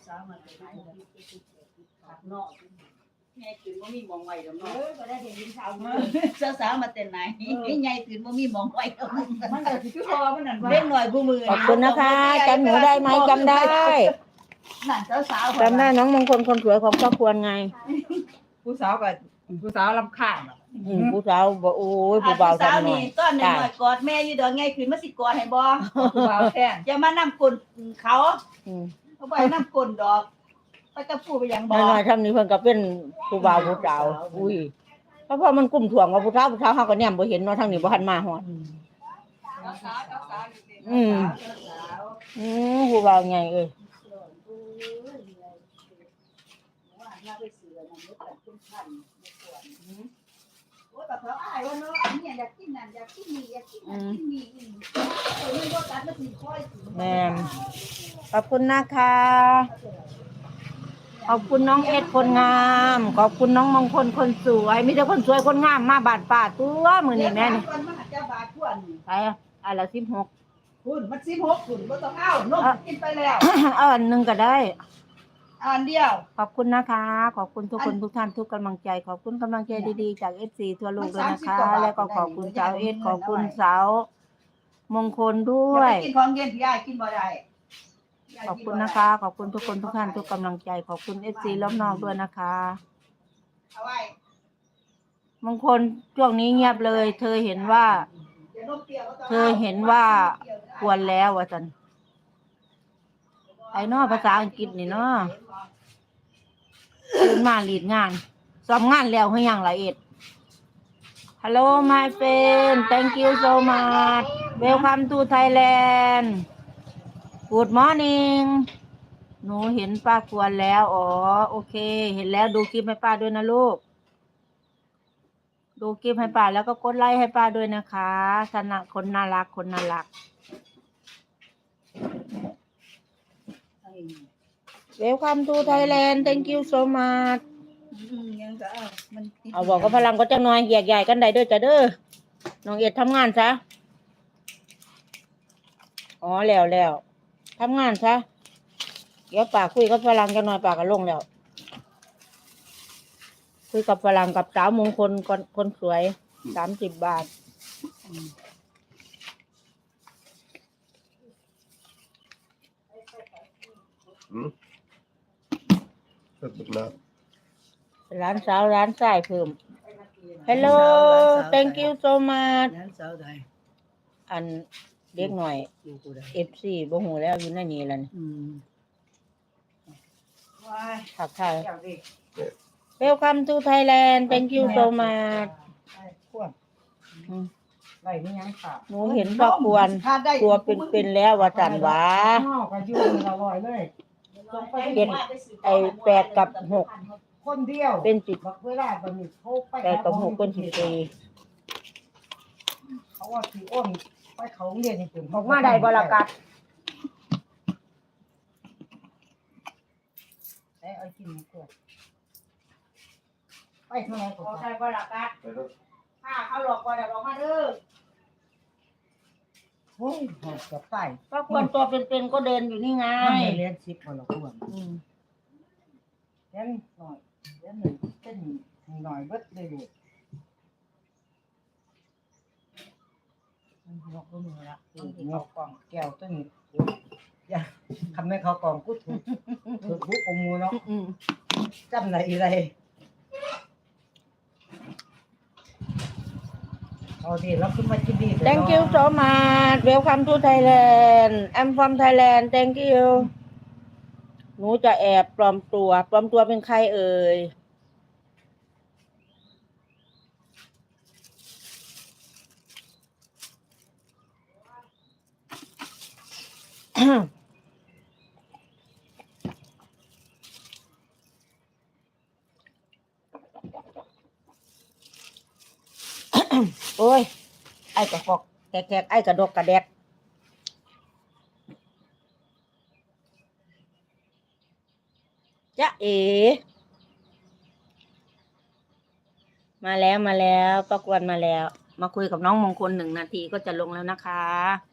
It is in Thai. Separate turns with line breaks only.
สาวมาเป็นไหนขับนอก
ใหญ่ตื่นบ่มีมองไว้ดอกเนาะ
ก็ได้เห็นสาวมาสาวมาแต่ไหนใหญ่ตื่นบ่มีมองไว้ดอก
มันก็สิคือพอมันนั่นว่า
เล็กหน่อยผู้มือ
ขอบคุณนะคะจำหนูได้ไหมจำได้
นั่นสาว
จำได้น้องมงคลคนสวยของครอบครัวไง
ผู้สาวก็ผู้สาวรำคาญ
ผู้สาวบอกโอ้ยผู้บ่าว
สาว
ทำหน่อ
นี่
ย
ต้นหน่อยกอดแม่อยู่ดอกไงขึ้นมาสิกอดให้บ่
ผู้บ่าวแท้ง
อย่ามานำกลเขาเขาบ่ให้นำกลดอกไปกับผู้ไปยังบ่
น้อยๆทำนี้เพิ่นก็เป็นผู้บ่าวผู้สาวอุ้ยเพราะมันกุ้มถ่วงว่าผู้สาวเฮาก็แนมบ่เห็นเนาะทางนี้บ่ทันมาฮอดผู้บ่าวใหญ่เอ้ย
กับเขาอ้ายว่าเนาะเนี่ยอยากกินนั่นอยากกินนี่อยากกินนั่นกินนี่มันบ่ตัดมันสิค่อยสิ
แม่นขอบคุณนะคะขอบคุณน้องเอ็ดคนงามขอบคุณน้องมงคลคนสวยมีแต่คนสวยคนงามมาบาดป่าตัวมื้อนี้แม่นี่
มันจะบาดควร
ไปอันละ16
คุณมัน16คุณบ่ต้องเอานมกินไปแล้ว
เอาอันนึงก็ได้
อันเดียว
ขอบคุณนะคะ ขอบคุณทุกคนทุกท่านทุกกำลังใจขอบคุณกำลังใจดีๆจาก FC ทั่วโลกด้วยนะคะ แล้วก็ขอบคุณสาวเอสขอบคุณสาวมงคลด้วย
กินของเย็นพี่อ้ายกินบ่ได้
ขอบคุณนะคะ ขอบคุณทุกคนทุกท่านทุกกำลังใจขอบคุณ FC รอบนอกด้วยนะคะ
เอาไว้
มงคลช่วงนี้เงียบเลย เธอเห็นว่าควรแล้วว่าจันไอ้นอภาษาอังกฤษนี่เนาะขึ้นมาลีดงานซ้อมงานแล้วเฮายังละเอ็ด Hello my friend thank you so much welcome to Thailand good morning หนูเห็นป้าควรแล้วอ๋อโอเคเห็นแล้วดูคลิปให้ป้าด้วยนะลูกดูคลิปให้ป้าแล้วก็กดไลค์ให้ป้าด้วยนะคะสนะคนน่ารักคนน่ารัก Welcome to Thailand thank you so much
ยังก็มัน
เอาบอกกับพลังก็จะน้อยแยกใหญ่กันได้เด้อจ้ะเด้อน้องเอ็ดทำงานซะอ๋อแล้วทำงานซะเดี๋ยวป้าคุยกับพลังจะน้อยป้าก็ลงแล้วคุยกับพลังกับสาวมงคลคนสวย30 บาทร้านสาวร้านสายเพิ่ม Hello thank you so much อันเด็กหน่อย FC บ่ฮู้แล้วอยู่ในนี้ล่ะนี่ทักทาย Welcome to Thailand thank you so much
ไว้นี่ยังค่ะ
หนูเห็นพ่อควรตัวเป็นๆแล้วว่าจันหวา
ก็อยู่อร่อยเลย
เป็นไอ้8 กับ 6
คนเดียว
เป็น
เวลาบัดนี้โทรไป
8 กับ 6เป็น14
เขาว่าสิอ้นไปเขาเรียนนี่เพิ่น
ออกมาได้บ่ล่ะกัด
ได้เอากินหมูกรอบไปเท่าไหร่ก็
เอา
ไป
ใส่บ่ล่ะกัดถ้าเขาหลอกบ่ได้ออกมาเด้อ
โอ้ยหอดกับไก่
พ่อควรตัวเป็นๆก็เดินอยู่นี่ไง
มันเรียน10พอละควรเรียนหน่อยเรียนหนึ่งเต้นหน่อยเบิดเลยลูกมันหลอกมือละงอกกล่องแก้วตัวนี้อย่าทำให้เขากล่องกูถูกบุกอมูเนาะจำไหนอะไรเอาดิเราขึ้นมากินดี
Thank you so much Welcome to Thailand I'm from Thailand Thank you หนูจะแอบปลอมตัวเป็นใครเอ่ย โอ้ยไอ้กระกอกแกกไอ้กระดกกระแดกจ๊ะเอ๋มาแล้วประกวดมาแล้วมาคุยกับน้องมงคล1 นาทีก็จะลงแล้วนะคะ